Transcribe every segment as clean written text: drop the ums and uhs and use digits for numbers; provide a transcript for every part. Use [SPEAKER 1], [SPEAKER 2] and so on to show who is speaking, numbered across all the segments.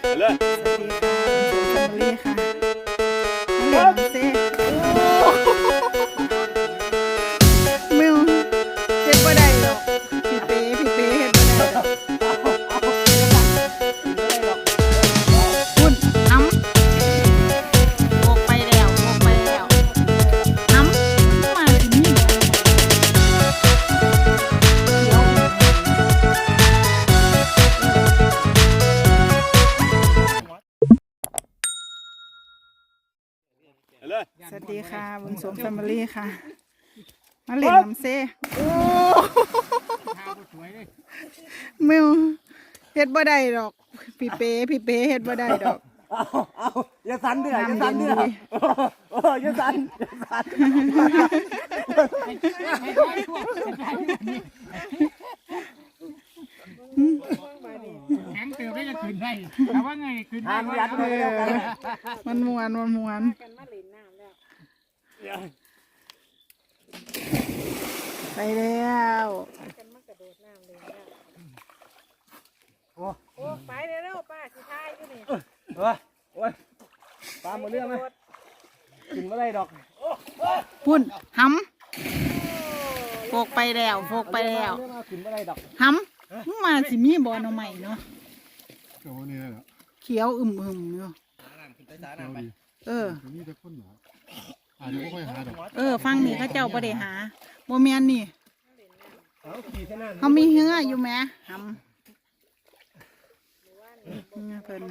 [SPEAKER 1] เลย
[SPEAKER 2] สวัสดีค่ะแฟมิลี่ค่ะเล่นเซ่มิวเฮ็ดบ่ได้หรอกพี่เป้เฮ็ดบ่ได้หรอกคุณน้ำโบกไปแล้วน้ำมาถึงนี่สวัสดีค่ะบุญสมแฟมิลี่ค่ะมาเล่นน้ำเซ่โอ้มิวเฮ็ดบ่ได้ดอกพี่เป้เฮ็ดบ่ได้ดอก
[SPEAKER 1] เอาอย่าสั่นเด้ออย่าสั่นเด้ออย่าสั่น
[SPEAKER 3] แข็งเติมได้จะขึ้นได้แต่ว่าไงขึ้นได้
[SPEAKER 2] มันมวนไปแล้ว
[SPEAKER 4] โอ้ไปเร็วป้าสุดท้ายอยู่นี่
[SPEAKER 1] โอ้ยปลาหมดเรื่องไหมกินไม่ได้ดอก
[SPEAKER 2] พุ่นหำโฟกไปแล้ว
[SPEAKER 1] กินไม่ได้ดอก
[SPEAKER 2] หำมาสิมีบ่อน้ำใหม่เนาะเขียวอึมอยู่ฟังนี่เขาเจ้าบ่ได้หาบ่แม่นนี่เขามีเหืออยู่แหมหำเพิ่น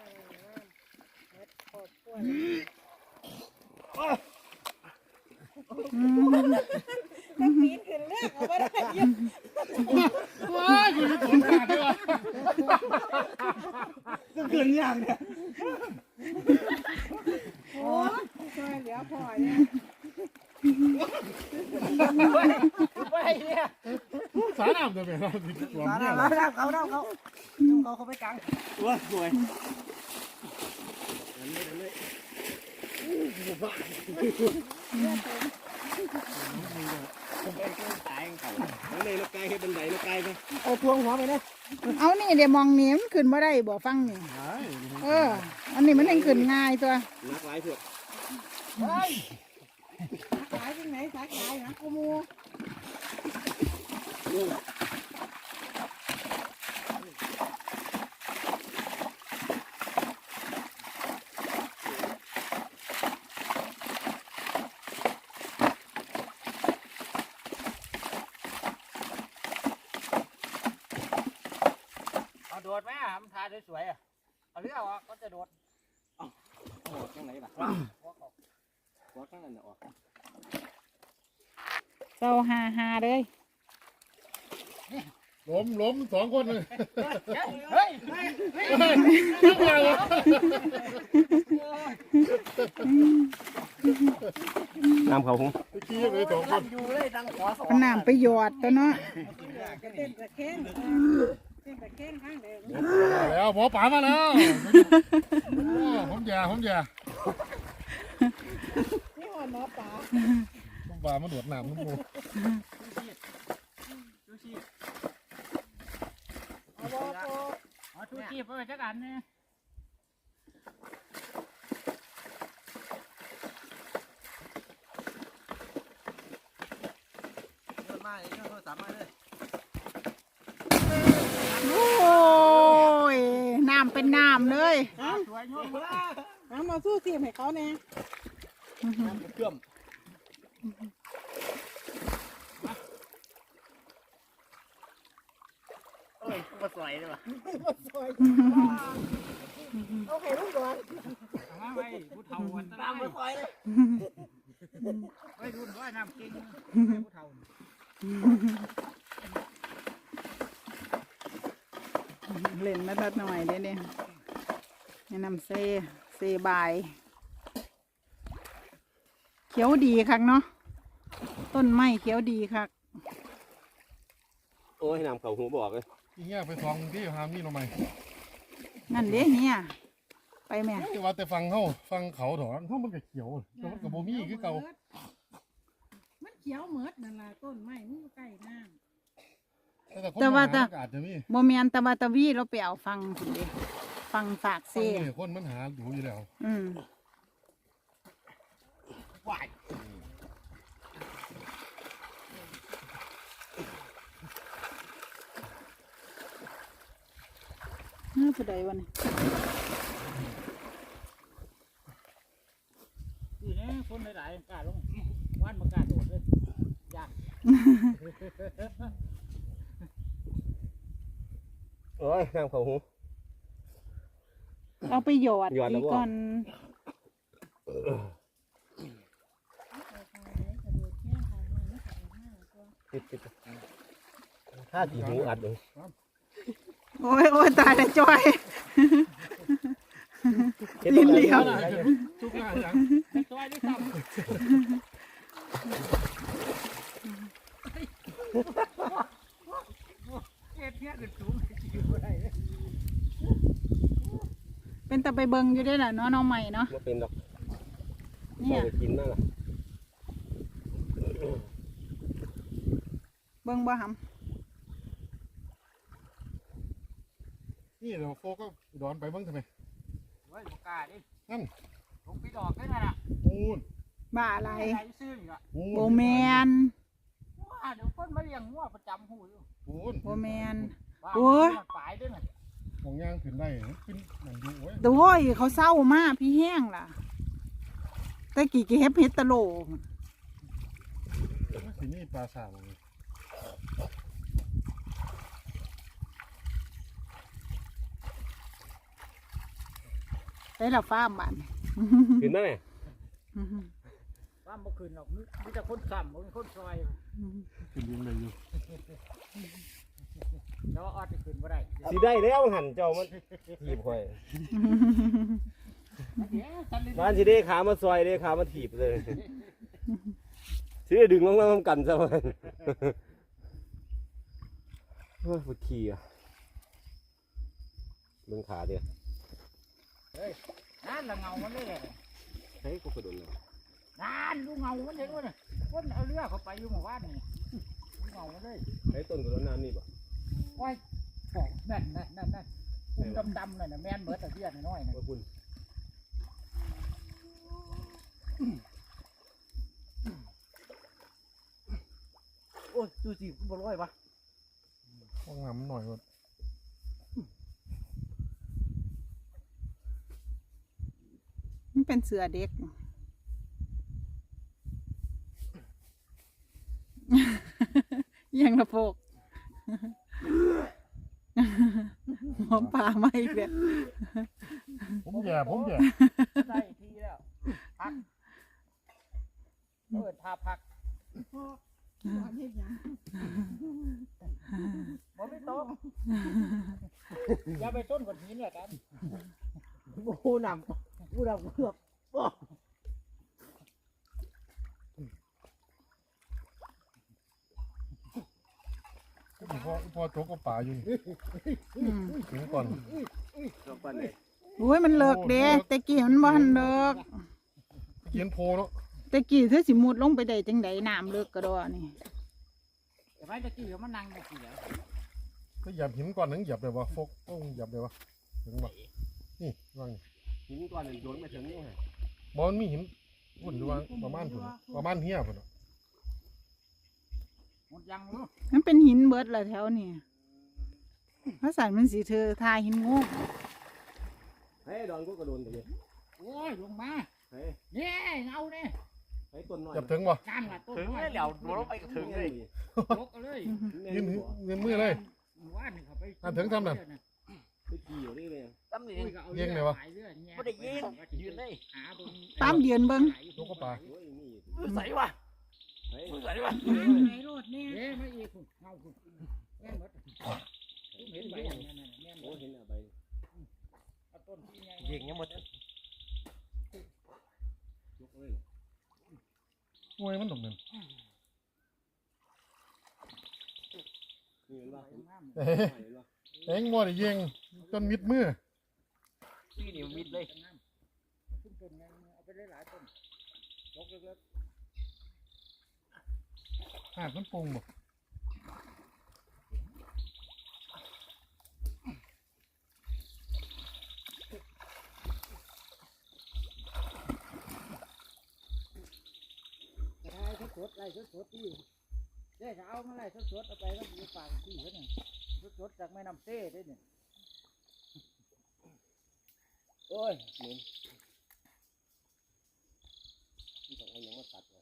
[SPEAKER 4] ก็ปีนขึ้นเลือกเอาไม่ได้ยัง
[SPEAKER 3] ว้ายคุณจะผลขาดด้วย
[SPEAKER 1] ก็เกินอย่างเนี่ย
[SPEAKER 4] โอ้ช่วยเหลือพ่อเนี่ยไปเนี่ย
[SPEAKER 3] สาน้ำจะเป็นเราติดตัวเนี่ย
[SPEAKER 1] เขาไปกลางตัวสวยเอาพวงหัวไปเลย
[SPEAKER 2] เอานี่เดี๋ยวมองนี้มันขึ้นมาได้บ่ฟังนี่อันนี้มันยังขึ้นง่ายตัว
[SPEAKER 1] นักหลายเถอะ
[SPEAKER 4] ขายที่ไหนขายนะกูมู
[SPEAKER 3] โดดไหมมันถ่ายสวยๆเอาเรือออกก็จะโดด
[SPEAKER 1] โดดข้างไหนล่ะหัวข้างนั้นออก
[SPEAKER 2] เจ้าฮาเลย
[SPEAKER 3] ล้มสองคนเลยเฮ้ย
[SPEAKER 1] น้ำเขาหง
[SPEAKER 3] ขี้เลยสองคน
[SPEAKER 2] ขนาดไปหยอดตัวเนาะ
[SPEAKER 4] เต้นตะเค้งข้างเดิม
[SPEAKER 3] แล้วหมอป๋ามาแล้วผมแย่
[SPEAKER 4] นี่หัวหมอป๋า
[SPEAKER 3] ผมป๋ามาหนวดหนามน้ำมูชูชีพไปจักอันเนี่ย
[SPEAKER 2] โอ้ยน้ำเป็นน้ำเลย
[SPEAKER 4] มาสู้ทีมให้เขาเนี่ย
[SPEAKER 1] เชื่อมมาสวยเลยว่ะ
[SPEAKER 4] โอเคลูกก่อน
[SPEAKER 3] มาไปผู้เฒ่าวันตามมาสวยเลยไปดูหน่อยน้ำเก่งผู้เฒ่า
[SPEAKER 2] เล่นมาตัดหน่อยได้เนี่ยแนะนำเซบายเขียวดีคักเนาะต้นไม้เขียวดีคัก
[SPEAKER 1] โอ้ยน้ำเขาหูบอกเลย
[SPEAKER 3] อีเงี้ยไปฟังที่หามนี่ลงไป
[SPEAKER 2] นั่นเด้เนี่ยไปแม่
[SPEAKER 3] ว่าแต่ฟังเขาถอนเขามันก็เขียวแต่มันกับโบมี่คือเก่า
[SPEAKER 4] มันเขียวเหมือดนั่นแหละต้นไม้มันใกล้น้ำ
[SPEAKER 2] แต่ว่าโมเมนตะบาตะวีเราไปเอาฟังคุณดิฟังฝาก
[SPEAKER 5] ฟัง
[SPEAKER 2] เซ่
[SPEAKER 5] นี่คนมันหาอยู่แล้ว
[SPEAKER 2] อืม
[SPEAKER 3] ว่าย
[SPEAKER 2] น่าจะได้วันนี้
[SPEAKER 3] นี่นะคนหลายๆกล้าลงว่านมากล้าโดดเลยยาก
[SPEAKER 1] โอ้ยน้ำเขาหู
[SPEAKER 2] เอาไปหยอด
[SPEAKER 1] หยอดแล้ว
[SPEAKER 2] ดี
[SPEAKER 1] บ่
[SPEAKER 2] ก่อน
[SPEAKER 1] ติดถ้าสีหูอัดเลย
[SPEAKER 2] โอ้ยโอ้ยตายแล้วจอย
[SPEAKER 1] ลิ้นเหลียว
[SPEAKER 5] ทุกงานอย่าง
[SPEAKER 3] ซอยด้วยซ้ำเฮ็ดเนี้ยขึ้นสูงอยู่บ่ได้เลย
[SPEAKER 2] เป็นตะไปเบิงอยู่ได้แหละเนาะน้องใหม่เนาะ
[SPEAKER 1] มาเป็นดอก
[SPEAKER 2] เนี่ย
[SPEAKER 1] ไปกินนั่นแหละ
[SPEAKER 2] เบิงบ่ห
[SPEAKER 5] นี่เดี๋ยวโฟก็ดอนไปเบ้างทำไม
[SPEAKER 3] เฮ้ยบ่กล้าดิ
[SPEAKER 5] นั่น
[SPEAKER 3] ลงไปดอกได้น่ะ
[SPEAKER 5] ปูน
[SPEAKER 2] ำบ้าอะไร
[SPEAKER 3] ใครซื้ออีกอ่ะ
[SPEAKER 5] ปูน
[SPEAKER 2] โบแมน
[SPEAKER 3] ว่าเดี๋ยวคนมาเลี้ยงงัวประจำหูอยู่
[SPEAKER 5] ปูน
[SPEAKER 2] โบแมน
[SPEAKER 3] ว่า
[SPEAKER 2] โอ้ย
[SPEAKER 3] มันฝ่ายด้วยน่ะ
[SPEAKER 5] ของย่างขึ้นได้ขึ้นนั่นอยู่โอ้ย
[SPEAKER 2] แต่โว้ยเขาเศร้ามากพี่แห้งล่ะแต่กี่เก็บเฮ็ดตะโหล
[SPEAKER 5] สีนี่ปลาสาวเลย
[SPEAKER 2] ได้ละฟ้าร์มบ้าน
[SPEAKER 1] กินไหม
[SPEAKER 3] ว่าบ่ขึ้นหรอกมีแต่คนซ้ำบ่มีคนซอย
[SPEAKER 5] ขึ้นเลี้ยงเลยอยู่
[SPEAKER 3] แล้วออดจะขึ้นบ่ได้
[SPEAKER 1] สีได้แล้วหันเจ้ามันถีบค่อย
[SPEAKER 3] เดี๋ยวฉันเลย
[SPEAKER 1] บ้านสีได้ขามาซอยได้ขามาถีบเลยสีได้ดึงลงมาทำกันซะมันปวดขี้อ่ะเบิ่งขาเดียว
[SPEAKER 3] นั่นละเงามันเลย
[SPEAKER 1] เฮ้ยกูกระโดดเลย
[SPEAKER 3] นั่นดูเงามันเห็นบ่น่ะคนเอาเรือเข้าไปอยู่หมู่บ้านนี่ดูเงามันเลย
[SPEAKER 1] เฮ้ยต้นกระโดดน้ำนี่ป่ะ
[SPEAKER 3] โอ้ยบอกนั่นอุ้มดำๆนั่นน่ะแม่นเบิดแต่เบี้ยน้อยๆน่ะ
[SPEAKER 1] ว่าคุณ
[SPEAKER 3] โอ้ยดูสิบ่ร้อยปะ
[SPEAKER 5] ห้องน้ำหน่อยว่า
[SPEAKER 2] มันเป็นเสือเด็ก ยังละโพก หอมป่ามาอีกแล้ว
[SPEAKER 5] ผมแย่
[SPEAKER 3] ได้ทีแล้วพักท่าพัก
[SPEAKER 4] บ่เฮ็ดหยัง
[SPEAKER 3] บ่ไม่ตกอย่าไปต้นก้อนหินละกัน
[SPEAKER 1] ผู้นำเกือบ
[SPEAKER 5] พอโจกก็ป่าอยู่
[SPEAKER 2] อืม
[SPEAKER 5] ถึงก่อน
[SPEAKER 1] ดอกปันเลย
[SPEAKER 2] โอ้ยมันเลิกเด้แต่กี้มันบ่ทันเลิก
[SPEAKER 5] เขียนโพเนาะ
[SPEAKER 2] แต่กี้เธอสิมุดลงไปได้จังไดน้ำเลิกกระดอนี่
[SPEAKER 3] แต่ไม่ตะกี้เขามานั่งตะกี้แล้ว
[SPEAKER 5] ก็หยับหินก่อนถึงหยับเลยวะโฟกต้องหยับเลยวะถึงวะนี่วาง
[SPEAKER 1] หินก้อนโยนมาถึงนี่ฮะ
[SPEAKER 5] บอลมีหินพุ่นดูว่าประมาณพุ่นประมาณเฮียพุ่น
[SPEAKER 3] หมดยังรู้
[SPEAKER 2] มันเป็นหินเบิดละแถวนี่เพราะสันมันสิเธอทาหินงู
[SPEAKER 1] เฮ้ยดอนกูกระโดดไปเลย
[SPEAKER 3] โอ้ยลงมา
[SPEAKER 1] เฮ้ย
[SPEAKER 3] เนี่ยเอาเนี่ย
[SPEAKER 1] เฮ้ยต้นน้อย
[SPEAKER 5] หยับถึงวะ
[SPEAKER 3] นั่นล่ะต้น
[SPEAKER 1] ถึงเลยเดี๋ยวลงไปก็ถึงเลย
[SPEAKER 3] ยกเอาเลย
[SPEAKER 5] ยืนเงินมือเลย
[SPEAKER 3] ว่านเขาไป
[SPEAKER 5] อ่ะถึงทำนั่น
[SPEAKER 1] ไปขี่อยู่นี่เลย
[SPEAKER 3] ตั้มนี่
[SPEAKER 5] เลี้ยงเลยวะ
[SPEAKER 3] ไม่ได้ยิงยืนเลยหาบน
[SPEAKER 2] ตามเดือนเบิ่ง
[SPEAKER 5] โจกก็ป่า
[SPEAKER 1] โอ้ยนี่
[SPEAKER 3] ใส่วะ
[SPEAKER 1] เฮ้ย
[SPEAKER 3] ใส่วะ
[SPEAKER 4] ไหนโลดเนี่ย
[SPEAKER 3] เอ๊ะไม่อีกคุณเงาคุณแม่นหมดเห็นใบนั่นแม่นหม
[SPEAKER 1] โอ้
[SPEAKER 3] ด
[SPEAKER 1] เห็นอะไร
[SPEAKER 3] เอาต้นที่ไง
[SPEAKER 1] ยิงยังหมดยกเลย
[SPEAKER 5] โอ้ยมันตกเงิน
[SPEAKER 1] นี่เห็นป่ะ
[SPEAKER 5] เอ็งมัวแต่ยิงจนมิดมือ
[SPEAKER 3] ที่นี่มิดเลยขึ้นต้นไงเอาไปหลายต้นยกเล็ก
[SPEAKER 5] หาดมันปรุงบ่
[SPEAKER 3] สดไล่สดที่เด้เอามาไล่สดเอาไปแล้วมีฝากที่เขาเนี่ยสดจากแม่น้ำเต้ได้เนี่ย
[SPEAKER 1] โอ้ยเหม็นนี่ต้องเอาอย่างมาตัด